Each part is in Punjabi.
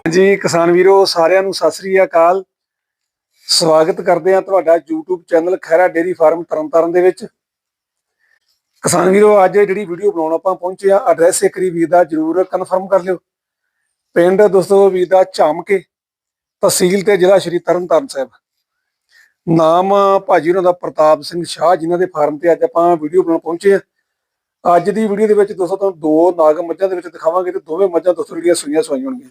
ਜੀ ਕਿਸਾਨ ਵੀਰੋ ਸਾਰਿਆਂ ਨੂੰ ਸਤਿ ਸ੍ਰੀ ਅਕਾਲ। ਸਵਾਗਤ ਕਰਦੇ ਆ ਤੁਹਾਡਾ YouTube channel Khehra dairy farm Tarn Taran ਦੇ ਵਿੱਚ। ਕਿਸਾਨ ਵੀਰੋ ਅੱਜ ਜਿਹੜੀ ਵੀਡੀਓ ਬਣਾਉਣ ਆਪਾਂ ਪਹੁੰਚੇ ਆ, ਐਡਰੈਸ ਇੱਕ ਵਾਰੀ ਵੀਰ ਦਾ ਜਰੂਰ ਕਨਫਰਮ ਕਰ ਲਿਓ। ਪਿੰਡ ਦੋਸਤੋ ਵੀਰ ਦਾ ਝਾਮਕੇ, ਤਹਿਸੀਲ ਤੇ ਜ਼ਿਲ੍ਹਾ ਸ਼੍ਰੀ ਤਰਨਤਾਰਨ ਸਾਹਿਬ। ਨਾਮ ਭਾਜੀ ਉਹਨਾਂ ਦਾ ਪ੍ਰਤਾਪ ਸਿੰਘ ਸ਼ਾਹ, ਜਿਨ੍ਹਾਂ ਦੇ ਫਾਰਮ ਤੇ ਅੱਜ ਆਪਾਂ ਵੀਡੀਓ ਬਣਾਉਣ ਪਹੁੰਚੇ ਆ। ਅੱਜ ਦੀ ਵੀਡੀਓ ਦੇ ਵਿੱਚ ਦੋਸਤੋ ਤੁਹਾਨੂੰ ਦੋ ਨਾਗ ਮੱਝਾਂ ਦੇ ਵਿੱਚ ਦਿਖਾਵਾਂਗੇ ਤੇ ਦੋਵੇਂ ਮੱਝਾਂ ਦੋਸਤੋ ਜਿਹੜੀਆਂ ਸੂਈਆਂ ਹੋਣਗੀਆਂ।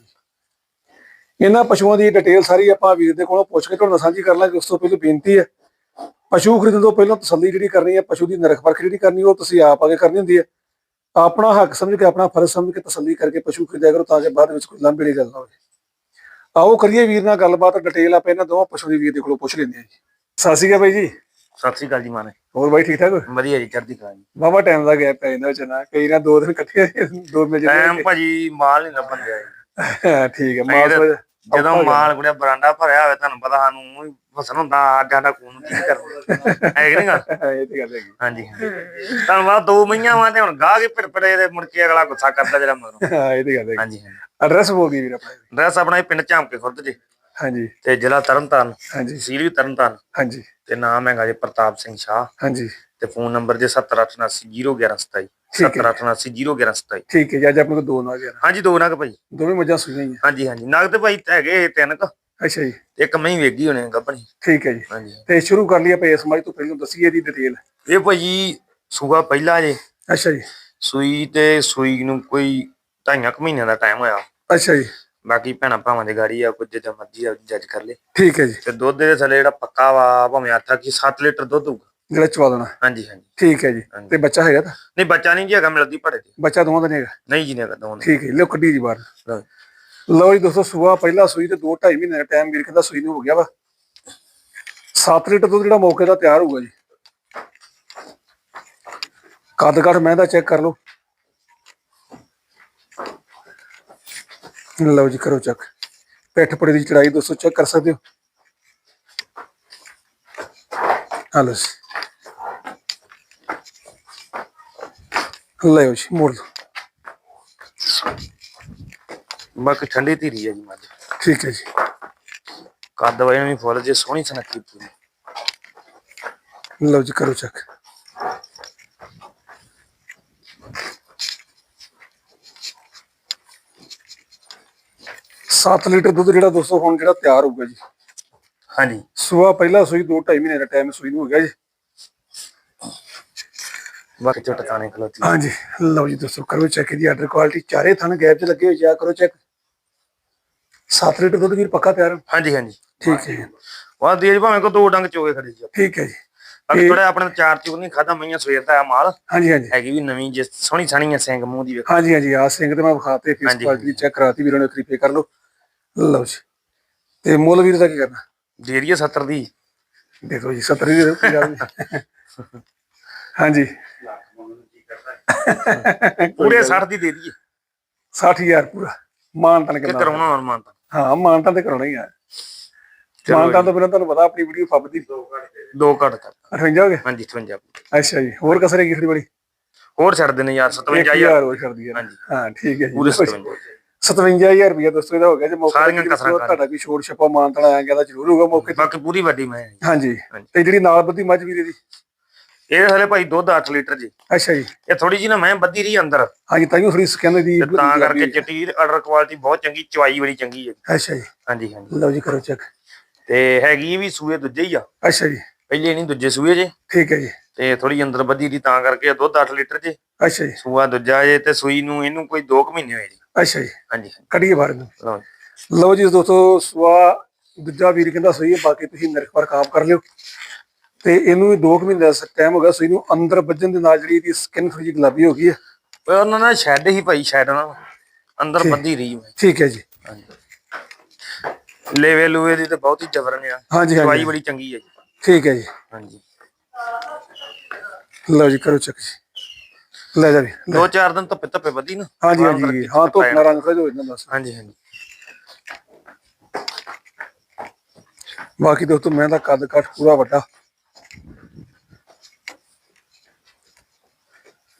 ਇਹਨਾਂ ਪਸ਼ੂਆਂ ਦੀ ਡਿਟੇਲ ਸਾਰੀ ਆਪਾਂ ਵੀਰ ਦੇ ਕੋਲੋਂ ਪੁੱਛ ਕੇ ਤੁਹਾਨੂੰ ਸਾਂਝੀ ਕਰ ਲਾਂਗੇ। ਉਸ ਤੋਂ ਪਹਿਲਾਂ ਬੇਨਤੀ ਹੈ, ਪਸ਼ੂ ਖਰੀਦਣ ਤੋਂ ਪਹਿਲਾਂ ਤਸੱਲੀ ਜਿਹੜੀ ਕਰਨੀ ਹੈ, ਪਸ਼ੂ ਦੀ ਨਿਰਖ ਪਰਖ ਜਿਹੜੀ ਕਰਨੀ ਉਹ ਤੁਸੀਂ ਆਪ ਆਗੇ ਕਰਨੀ ਹੁੰਦੀ ਹੈ। ਆਪਣਾ ਹੱਕ ਸਮਝ ਕੇ, ਆਪਣਾ ਫਰਜ਼ ਸਮਝ ਕੇ ਤਸੱਲੀ ਕਰਕੇ ਪਸ਼ੂ ਖਰੀਦਿਆ ਕਰੋ, ਤਾਂ ਕਿ ਬਾਅਦ ਵਿੱਚ ਕੋਈ ਲਾਂਭੇ ਦੀ ਗੱਲ ਨਾ ਹੋਵੇ। ਆਓ ਕਰੀਏ ਵੀਰ ਨਾਲ ਗੱਲਬਾਤ, ਡਿਟੇਲ ਆਪਾਂ ਇਹਨਾਂ ਦੋਵਾਂ ਪਸ਼ੂ ਦੀ ਵੀਰ ਦੇ ਕੋਲੋਂ ਪੁੱਛ ਲੈਂਦੇ ਹਾਂ ਜੀ। ਸਤਿ ਸ਼੍ਰੀ ਅਕਾਲ ਬਾਈ ਜੀ। ਸਤਿ ਸ਼੍ਰੀ ਅਕਾਲ ਜੀ ਮਾਨੇ। ਹੋਰ ਬਾਈ ਠੀਕ ਠਾਕ? ਵਧੀਆ ਜੀ, ਚੜ੍ਹਦੀ ਕਲਾ ਜੀ। ਵਾਹਵਾ ਟਾਈਮ ਦਾ ਗੈਪ ਪੈ ਜਾਂਦਾ ਵਿੱਚ ਨਾ, ਕਈ ਨਾ 2 ਦਿਨ ਇਕੱਠੇ ਦੋ ਮਿਲ ਜਾਂਦੇ ਟਾਈਮ ਭਾਜੀ ਮਾਲ ਨਹੀਂ ਲੱਭਣ ਦਿਆ ਜੀ। ਠੀਕ ਹੈ। ਮਾਲ ਜਦੋਂ ਮਾਲ ਕੁੜਿਆ ਬਰਾਂਡਾ ਭਰਿਆ ਹੋਵੇ, ਤੁਹਾਨੂੰ ਪਤਾ ਸਾਨੂੰ ਫਸਣ ਹੁੰਦਾ ਸਾਡਾ ਖੂਨ ਕੀ ਕਰਦਾ ਹੈ ਕਿ ਨਹੀਂ ਗੱਲ? ਇਹ ਤੇ ਗੱਲ ਹੈਗੀ। ਹਾਂਜੀ ਤੁਹਾਨੂੰ ਪਤਾ 2 ਮਹੀਆਂ ਵਾ ਤੇ ਹੁਣ ਗਾਹ ਕੇ ਭਿੜਪੜੇ ਦੇ ਮੁੜ ਕੇ ਅਗਲਾ ਗੁੱਸਾ ਕਰਦਾ ਜਿਹੜਾ ਮਗਰੋਂ। ਹਾਂ ਇਹ ਤੇ ਗੱਲ ਹੈਗੀ। ਹਾਂਜੀ ਐਡਰੈਸ ਬੋਲ ਗਈ ਵੀਰ ਆਪਣਾ? ਐਡਰੈਸ ਆਪਣਾ ਪਿੰਡ ਝਾਮਕੇ ਖੁਰਦ ਜੀ। ਹਾਂਜੀ। ਤੇ ਜ਼ਿਲ੍ਹਾ ਤਰਨਤਾਰਨ, ਹਾਂਜੀ। ਤਹਿਸੀਲ ਵੀ ਤਰਨਤਾਰਨ। ਹਾਂਜੀ। ਤੇ ਨਾਮ ਹੈਗਾ ਜੀ ਪ੍ਰਤਾਪ ਸਿੰਘ ਸ਼ਾਹ। ਹਾਂਜੀ। ਤੇ ਫੋਨ ਨੰਬਰ ਜੇ 7879011127 7879011127। ਠੀਕ ਹੈ ਜੀ। ਅੱਜ ਆਪਣੇ ਕੋਲ 2 ਨਾਗ ਆ? ਹਾਂਜੀ 2 ਨਗ ਭਾਈ, ਦੋਵੇਂ ਮੱਝਾਂ ਸੂਈਆਂ ਹੀ ਆ? ਹਾਂਜੀ ਹਾਂਜੀ। ਨਗ ਤੇ ਭਾਈ ਹੈਗੇ 3 ਕ। ਅੱਛਾ ਜੀ। ਇੱਕ ਮੈਂ ਵੇਗੀ ਹੋਣੇ ਗੱਭਣੀ। ਠੀਕ ਹੈ ਜੀ। ਹਾਂਜੀ। ਤੇ ਸ਼ੁਰੂ ਕਰ ਲਈਏ ਆਪਾਂ ਇਸ ਮੱਝ ਤੋਂ, ਪਹਿਲਾਂ ਦੱਸੀਏ ਇਹਦੀ ਡਿਟੇਲ। ਇਹ ਭਾਜੀ ਸੂਆ ਪਹਿਲਾ ਜੇ। ਅੱਛਾ ਜੀ। ਸੂਈ ਤੇ ਸੂਈ ਨੂੰ ਕੋਈ 2.5 ਮਹੀਨਿਆਂ ਦਾ ਟਾਈਮ ਹੋਇਆ। ਅੱਛਾ ਜੀ। ਬਾਕੀ ਭੈਣਾਂ ਭਾਵਾਂ ਦੀ ਗਾੜੀ ਆ, ਕੁਝ ਜਿੱਦਾਂ ਮਰਜ਼ੀ ਆ ਜੱਜ ਕਰ ਲੈ। ਠੀਕ ਹੈ ਜੀ। ਤੇ ਦੁੱਧ ਦੇ ਥੱਲੇ ਜਿਹੜਾ ਪੱਕਾ ਵਾ, ਭਾਵੇਂ ਆਖਾ ਕਿ 7 ਲੀਟਰ ਦੁੱਧ ਹੋਊਗਾ ਜਿਹੜਾ ਚਵਾ ਦੇਣਾ। ਹਾਂਜੀ ਹਾਂਜੀ। ਠੀਕ ਹੈ ਜੀ। ਤੇ ਬੱਚਾ ਹੈਗਾ ਤਾਂ? ਨਹੀਂ ਬੱਚਾ ਨਹੀਂ ਜੀ ਹੈਗਾ, ਮਿਲਦੀ ਭੜੇ ਤੇ। ਬੱਚਾ ਦੋਵਾਂ ਦਾ ਨਹੀਂ ਹੈਗਾ? ਨਹੀਂ ਜੀ, ਨਹੀਂ ਹੈਗਾ ਦੋਵਾਂ ਦਾ। ਠੀਕ ਹੈ। ਲਿਓ ਕੱਢੀ ਜੀ ਬਾਹਰ। ਲਓ ਜੀ ਦੋਸਤੋ, ਸੂਆ ਪਹਿਲਾ ਸੂਈ ਤੇ 2-2.5 ਮਹੀਨੇ ਦਾ ਟਾਈਮ ਵੀਰ ਕਹਿੰਦਾ ਸੂਈ ਨੂੰ ਹੋ ਗਿਆ ਵਾ। 7 ਲੀਟਰ ਦੁੱਧ ਜਿਹੜਾ ਮੌਕੇ ਦਾ ਤਿਆਰ ਹੋਊਗਾ ਜੀ। ਕੱਦ ਕਾਠ ਮੈਂ ਦਾ ਚੈੱਕ ਕਰ ਲਓ। ਲਓ ਜੀ ਕਰੋ ਚੈੱਕ। ਪਿੱਠ ਪੜੇ ਦੀ ਚੜਾਈ ਦੋਸਤੋ ਚੈੱਕ ਕਰ ਸਕਦੇ ਹੋ। ਹਲੋ ਜੀ, ਲਓ ਜੀ ਮੋੜ ਲਓ। ਬਾਕੀ ਠੰਡੀ ਧੀਰੀ ਹੈ ਜੀ ਮੱਝ। ਠੀਕ ਹੈ ਜੀ। ਕੱਦ ਵਾਈ ਵੀ ਫੁੱਲ ਜੇ ਸੋਹਣੀ ਸੁਨੱਖੀ ਪੂਰੀ। ਲਓ ਜੀ ਕਰੋ ਚੈੱਕ। ਸੱਤ ਲੀਟਰ ਦੁੱਧ ਜਿਹੜਾ ਦੋਸਤੋ ਹੁਣ ਜਿਹੜਾ ਤਿਆਰ ਹੋਊਗਾ ਜੀ। ਹਾਂਜੀ। ਸੂਆ ਪਹਿਲਾ ਸੂਈ 2-2.5 ਮਹੀਨੇ ਦਾ ਟਾਈਮ ਸੂਈ ਨੂੰ ਹੋ ਗਿਆ ਜੀ। ਬਾਕੀ ਝੋਟਾ ਤਾਣੇ ਖਲੋਤੀ। ਹਾਂਜੀ। ਲਓ ਜੀ ਦੋਸਤੋ ਕਰੋ ਚੈੱਕ ਇਹਦੀ ਆਰਡਰ ਕੁਆਲਿਟੀ। ਚਾਰੇ ਥਣ ਗੈਪ 'ਚ ਲੱਗੇ ਹੋਏ ਜਾ ਕਰੋ ਚੈੱਕ। 7 ਲੀਟਰ ਦੁੱਧ ਵੀਰ ਪੱਕਾ ਤਿਆਰ? ਹਾਂਜੀ ਹਾਂਜੀ। ਠੀਕ ਹੈ ਜੀ। ਵਾਹ ਦੇ ਜੀ, ਭਾਵੇਂ ਕੋ 2 ਡੰਗ ਚੋਗੇ ਖੜੇ ਜੀ। ਠੀਕ ਹੈ ਜੀ। ਬਾਕੀ ਥੋੜਾ ਆਪਣੇ 4 ਚੂਰ ਨਹੀਂ ਖਾਦਾ, ਮਈਆਂ ਸਵੇਰ ਦਾ ਮਾਲ। ਹਾਂਜੀ ਹਾਂਜੀ। ਹੈਗੀ ਵੀ ਨਵੀਂ ਜੇ, ਸੋਹਣੀ ਸਾਣੀ ਸਿੰਘ ਮੂੰਹ ਦੀ ਵੇਖੋ। ਹਾਂਜੀ ਹਾਂਜੀ। ਆ ਸਿੰਘ ਤੇ ਮੈਂ ਵਿਖਾਤੇ, ਫੇਸ ਕੁਆਲਿਟੀ ਚੈੱਕ ਕਰਾਤੀ ਵੀਰਾਂ ਨੇ, ਇੱਕ ਪੇ ਕਰ ਲਓ। ਲਓ ਜੀ। ਤੇ ਮੁੱਲ ਵੀਰ ਦਾ ਕੀ ਕਰਨਾ? ਦੇ ਦਈਏ 70 ਦੀ। ਦੇ ਦਿਓ ਜੀ 70 ਦੀ ਦੇ ਦਿਓ। ਹਾਂਜੀ। ਪੂਰੇ 60 ਦੀ ਦੇ ਦਈਏ। 60,000 ਪੂਰਾ ਮਾਨਤਾਨ ਕਰਾਉਣਾ ਹੋਰ ਮਾਨਤਾਨ? ਹਾਂ ਮਾਨਤਾਨ ਤੇ ਕਰਾਉਣਾ ਹੀ ਆ। ਮਾਨਤਾਨ ਤੋਂ ਬਿਨਾਂ ਤੁਹਾਨੂੰ ਪਤਾ ਆਪਣੀ ਵੀਡੀਓ ਫੱਬਦੀ। 2 ਘੱਟ ਕਰ 58 ਹੋ ਗਏ? ਹਾਂਜੀ 58। ਅੱਛਾ ਜੀ। ਹੋਰ ਕਸਰ ਹੈਗੀ ਥੋੜੀ ਬੜੀ? ਹੋਰ ਛੱਡ ਦੇਣੇ ਯਾਰ 57,000 ਹੋਰ ਛੱਡ ਦਈਏ। ਹਾਂਜੀ ਹਾਂ ਠੀਕ ਹੈ ਜੀ। ਪੂਰੇ 57,000 ਰੁਪਇਆ ਦੋਸਤੋ ਇਹਦਾ ਹੋ ਗਿਆ ਜੇ। ਮੌਕੇ ਤੁਹਾਡਾ ਕੋਈ ਛੋੜ ਛੱਪਾ ਮਾਨਤਾਨ ਆਇਆ ਗਿਆ ਤਾਂ ਜ਼ਰੂਰ ਹੋਊਗਾ ਮੌਕੇ। ਬਾਕੀ ਪੂਰੀ ਵੱਡੀ ਮੈਂ। ਹਾਂਜੀ। ਤੇ ਜਿਹੜੀ ਨਾਲ ਬੱਧੀ ਮੱਝ ਵੀਰੇ ਦੀ? ਇਹ ਹਲੇ ਭਾਈ ਦੁੱਧ 8 ਲੀਟਰ ਜੀ। ਅੱਛਾ ਜੀ। ਇਹ ਥੋੜੀ ਜੀ ਨਾ ਮੈਂ ਬੱਧੀ ਰਹੀ ਅੰਦਰ। ਹਾਂਜੀ ਤਾਈਓ ਥੋੜੀ ਕਹਿੰਦੇ ਦੀ ਤਾਂ ਕਰਕੇ ਚਿੱਟੀ ਆਰਡਰ ਕੁਆਲਿਟੀ ਬਹੁਤ ਚੰਗੀ, ਚਵਾਈ ਬੜੀ ਚੰਗੀ ਹੈ। ਅੱਛਾ ਜੀ। ਹਾਂਜੀ ਹਾਂਜੀ। ਲਓ ਜੀ ਕਰੋ ਚੈੱਕ। ਤੇ ਹੈਗੀ ਵੀ ਸੂਏ ਦੂਜੇ ਹੀ ਆ। ਅੱਛਾ ਜੀ। ਪਹਿਲੇ ਨਹੀਂ ਦੂਜੇ ਸੂਏ ਜੇ। ਠੀਕ ਹੈ ਜੀ। ਤੇ ਥੋੜੀ ਅੰਦਰ ਬੱਧੀ ਦੀ ਤਾਂ ਕਰਕੇ ਦੁੱਧ 8 ਲੀਟਰ ਜੇ। ਅੱਛਾ ਜੀ। ਸੂਆ ਦੂਜਾ ਜੇ ਤੇ ਸੂਈ ਨੂੰ ਇਹਨੂੰ ਕੋਈ 2 ਮਹੀਨੇ ਹੋਏ ਜੀ। ਅੱਛਾ ਜੀ। ਹਾਂਜੀ। ਕੱਢੀਏ ਬਾਹਰ ਨੂੰ। ਲਓ ਜੀ ਦੋਸਤੋ ਸੂਆ ਦੂਜਾ ਵੀਰ ਕਹਿੰਦਾ ਸਹੀ ਹੈ। ਬਾਕੀ ਤੁਸੀਂ ਨਿਰਖ ਪਰਖ ਆਪ ਕਰ ਲਿਓ। ਤੇ ਇਹਨੂੰ 2 ਮਹੀਨੇ ਦਾ ਟਾਈਮ ਹੋ ਗਿਆ ਸੂਈ ਨੂੰ। ਅੰਦਰ ਵੱਜਣ ਦੇ ਨਾਲ ਜਿਹੜੀ ਇਹਦੀ ਸਕਿਨ ਥੋੜੀ ਜਿਹੀ ਗੁਲਾਬੀ ਹੋ ਗਈ ਹੈ। ਉਹਨਾਂ ਨਾਲ ਸ਼ੈਡ ਹੀ ਭਾਈ, ਸ਼ੈਡ ਨਾਲ ਅੰਦਰ ਬੱਧੀ ਰਹੀ। ਠੀਕ ਹੈ ਜੀ। ਲੇਵੇ ਲੂਵੇ ਦੀ ਤਾਂ ਬਹੁਤ ਹੀ ਜ਼ਬਰਨ ਆ। ਹਾਂਜੀ। ਦਵਾਈ ਬੜੀ ਚੰਗੀ ਹੈ ਜੀ। ਠੀਕ ਹੈ ਜੀ। ਹਾਂਜੀ। ਲਓ ਜੀ ਕਰੋ ਚੈੱਕ ਜੀ। ਲੈ ਜਾ ਵੀ 2-4 ਦਿਨ ਧੁੱਪੇ ਧੁੱਪੇ ਬੱਧੀ ਨਾ। ਹਾਂਜੀ ਹਾਂਜੀ। ਹਾਂ ਧੁੱਪ ਨਾਲ ਰੰਗ ਖੋਜ ਹੋ ਜਾਂਦਾ ਬਸ। ਹਾਂਜੀ ਹਾਂਜੀ। ਬਾਕੀ ਦੋਸਤੋ ਮੈਂ ਤਾਂ ਕੱਦ ਕਾਠ ਪੂਰਾ ਵੱਡਾ।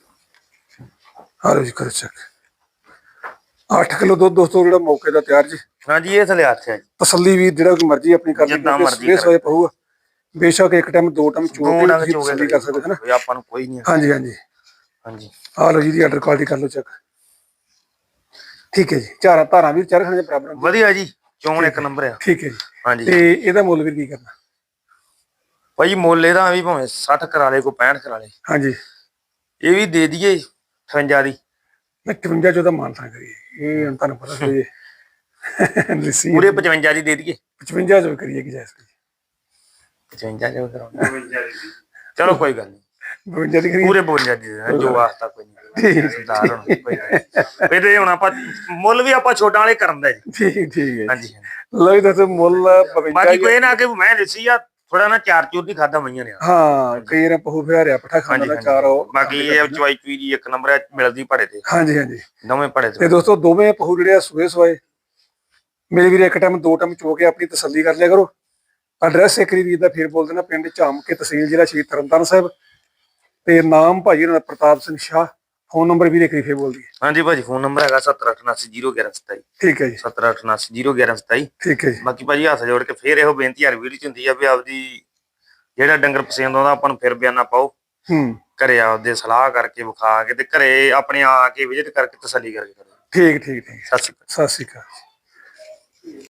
ਹਾਂ ਜੀ ਕਰੋ ਚੈੱਕ। 8 ਕਿਲੋ ਦੁੱਧ ਦੋਸਤੋ ਜਿਹੜਾ ਮੌਕੇ ਦਾ ਤਿਆਰ ਜੀ। ਹਾਂਜੀ ਇਹ ਥਲੇ ਹੱਥ ਹੈ ਜੀ। ਤਸੱਲੀ ਵੀ ਜਿਹੜਾ ਕੋਈ ਮਰਜ਼ੀ ਆਪਣੀ ਕਰ ਲਈ, ਸਵੇਰੇ ਸਵੇਰੇ ਪਊਗਾ ਬੇਸ਼ੱਕ ਇੱਕ ਟਾਈਮ ਦੋ ਟਾਈਮ ਚੋ ਕੇ ਤਸੱਲੀ ਕਰ ਸਕਦੇ ਹਨਾ। ਆਪਾਂ ਨੂੰ ਕੋਈ ਨਹੀਂ। ਹਾਂਜੀ ਹਾਂਜੀ ਹਾਂਜੀ ਆ ਲਓ ਜੀ ਦੀ ਆਰਡਰ ਕੁਆਲਿਟੀ ਕਰ ਲਓ ਚੈੱਕ। ਠੀਕ ਹੈ ਜੀ। ਧਾਰਾਂ ਵੀ ਚਾਰ ਖਾਣੇ ਬਰਾਬਰ ਵਧੀਆ ਜੀ, ਚੋਣ ਇੱਕ ਨੰਬਰ ਆ। ਠੀਕ ਹੈ ਜੀ। ਹਾਂਜੀ ਤੇ ਇਹਦਾ ਮੁੱਲ ਵੀ ਕੀ ਕਰਨਾ ਭਾਈ? ਮੁੱਲ ਇਹਦਾ ਵੀ ਭਾਵੇਂ 60 ਕਰਾ ਲੇ ਕੋਈ 65 ਕਰਾ ਲੇ। ਹਾਂਜੀ ਇਹ ਵੀ ਦੇ ਦਈਏ 58 ਦੀ। 58 ਚੋਂ ਤਾਂ ਮਾਨਤਾ ਕਰੀਏ, ਇਹ ਹੁਣ ਤੁਹਾਨੂੰ ਪਤਾ ਸੀ ਪੂਰੇ 55 ਦੀ ਦੇ ਦਈਏ। 55 ਚੋਂ ਕਰੀਏ ਕਿ ਜੈਸੇ 55 ਚੋਂ ਕਰਾਉਣਾ। ਚਲੋ ਕੋਈ ਗੱਲ ਨਹੀਂ, 52 ਦੀ ਕਰੀਏ, ਪੂਰੇ 52 ਦੀ ਜੋ ਵਾਸਤਾ ਕੋਈ ਨਹੀਂ ਸਰਦਾਰ ਹੁਣ ਇਹਦੇ ਹੁਣ ਆਪਾਂ ਮੁੱਲ ਵੀ ਆਪਾਂ ਛੋਟਾਂ ਵਾਲੇ ਕਰਨ ਦਾ ਜੀ। ਠੀਕ ਹੈ। ਹਾਂਜੀ ਲਓ ਜੀ ਦੱਸੋ ਮੁੱਲ 52। ਬਾਕੀ ਕੋਈ ਨਾ ਕਿ ਮੈਂ ਦੱਸੀ ਆ ਥੋੜਾ ਨਾ ਚਾਰ ਚੂਰ ਦੀ ਖਾਦਾ ਮਈਆਂ ਨੇ। ਹਾਂ ਕਈ ਵਾਰ ਪਹੂ ਫਿਆਰਿਆ ਪੱਠਾ ਖਾਣ ਦਾ ਚਾਰ ਬਾਕੀ ਇਹ ਚਵਾਈ ਚੂਈ ਦੀ ਇੱਕ ਨੰਬਰ ਮਿਲਦੀ ਭੜੇ ਤੇ। ਹਾਂਜੀ ਹਾਂਜੀ ਦੋਵੇਂ ਭੜੇ ਤੇ ਦੋਸਤੋ ਦੋਵੇਂ ਪਹੂ ਜਿਹੜੇ ਆ ਸੂਏ ਸਵਾਏ ਮੇਰੇ ਵੀਰ ਇੱਕ ਟਾਈਮ ਦੋ ਟਾਈਮ ਚੋ ਕੇ ਆਪਣੀ ਤਸੱਲੀ ਕਰ ਲਿਆ ਕਰੋ। ਐਡਰੈਸ ਇੱਕ ਵਾਰੀ ਵੀਰ ਦਾ ਫੇਰ ਬੋਲ ਦੇਣਾ, ਪਿੰਡ ਝਾਮਕੇ, ਤਹਿਸੀਲ ਜ਼ਿਲ੍ਹਾ ਸ਼੍ਰੀ ਤਰਨਤਾਰਨ ਸਾਹਿਬ, ਤੇ ਨਾਮ ਭਾਜੀ ਇਹਨਾਂ ਦਾ ਪ੍ਰਤਾਪ ਸਿੰਘ ਸ਼ਾਹ। ਫੋਨ ਨੰਬਰ ਵੀਰ ਇੱਕ ਵਾਰੀ ਫੇਰ ਬੋਲ ਦਈਏ। ਹਾਂਜੀ ਭਾਜੀ ਫੋਨ ਨੰਬਰ ਹੈਗਾ 7878011127। ਠੀਕ ਹੈ ਜੀ। 7878011127। ਠੀਕ ਹੈ ਜੀ। ਬਾਕੀ ਭਾਜੀ ਹੱਥ ਜੋੜ ਕੇ ਫੇਰ ਇਹੋ ਬੇਨਤੀ ਹਰ ਵੀਡੀਓ ਚ ਹੁੰਦੀ ਆ ਵੀ ਆਪਦੀ ਜਿਹੜਾ ਡੰਗਰ ਪਸੰਦ ਆਉਂਦਾ ਆਪਾਂ ਨੂੰ ਫਿਰ ਬਿਆਨਾ ਪਾਓ। ਘਰੇ ਆਪਦੇ ਸਲਾਹ ਕਰਕੇ ਵਿਖਾ ਕੇ ਤੇ ਘਰੇ ਆਪਣੇ ਆ ਕੇ ਵਿਜ਼ਿਟ ਕਰਕੇ ਤਸੱਲੀ ਕਰਕੇ ਕਰੋ। ਠੀਕ ਸਤਿ ਸ਼੍ਰੀ ਅਕਾਲ। ਸਤਿ ਸ਼੍ਰੀ ਅਕਾਲ।